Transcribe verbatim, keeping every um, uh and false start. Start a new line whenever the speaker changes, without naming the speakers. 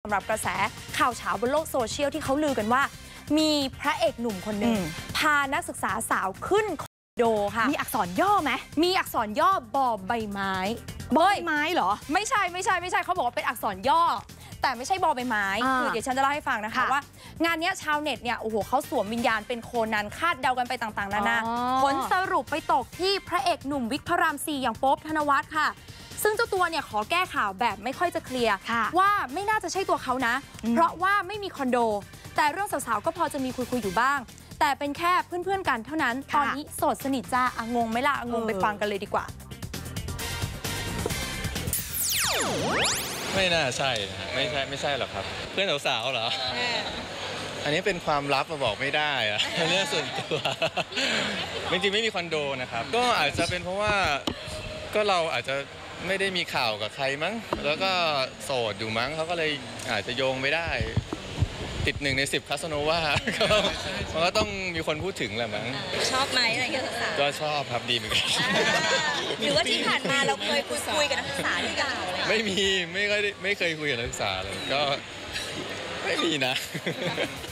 สำหรับกระแสข่าวเช้าบนโลกโซเชียลที่เขาลือกันว่ามีพระเอกหนุ่มคนหนึ่งพานักศึกษาสาวขึ้นคอนโดค่ะ
มีอักษรย่อไหม
มีอักษรย่อบอใบไม้
บอใบไม้เหรอ
ไม่ใช่ไม่ใช่ไม่ใช่เขาบอกว่าเป็นอักษรย่อแต่ไม่ใช่บอใบไม้คือเดี๋ยวฉันจะเล่าให้ฟังนะคะว่างานนี้ชาวเน็ตเนี่ยโอ้โหเขาสวมวิญญาณเป็นโคนันคาดเดากันไปต่างๆนานาผลสรุปไปตกที่พระเอกหนุ่มวิกพระรามสี่อย่างโป๊ปธนวัฒน์ค่ะซึ่งเจ้าตัวเนี่ยขอแก้ข่าวแบบไม่ค่อยจะเคลียร์ว่าไม่น่าจะใช่ตัวเขานะเพราะว่าไม่มีคอนโดแต่เรื่องสาวๆก็พอจะมีคุยๆอยู่บ้างแต่เป็นแค่เพื่อนๆกันเท่านั้นตอนนี้โสดสนิทจ้าอ่ะงงไหมล่ะงงไปฟังกันเลยดีกว่า
ไม่น่าใช่นะไม่ใช่ไม่ใช่หรอกครับเพื่อนสาวๆเหรออันนี้เป็นความลับมาบอกไม่ได้อะเรื่องส่วนตัวจริงๆไม่มีคอนโดนะครับก็อาจจะเป็นเพราะว่าก็เราอาจจะไม่ได้มีข่าวกับใครมั้งแล้วก็โสดอยู่มั้งเขาก็เลยอาจจะโยงไม่ได้ติดหนึ่งในสิบคาสโนวามันก็ต้องมีคนพูดถึงแหละมั้ง
ชอบไหมอะไรเงี้ย
ก็ชอบครับดีเหมือนกัน
หรือว่าที่ผ่านมาเราเคยคุยคุยกับนักศึกษาหรือเปล่า
ไม่มีไม่เคยไม่เคยคุยกับนักศึกษาเลยก็ไม่มีนะ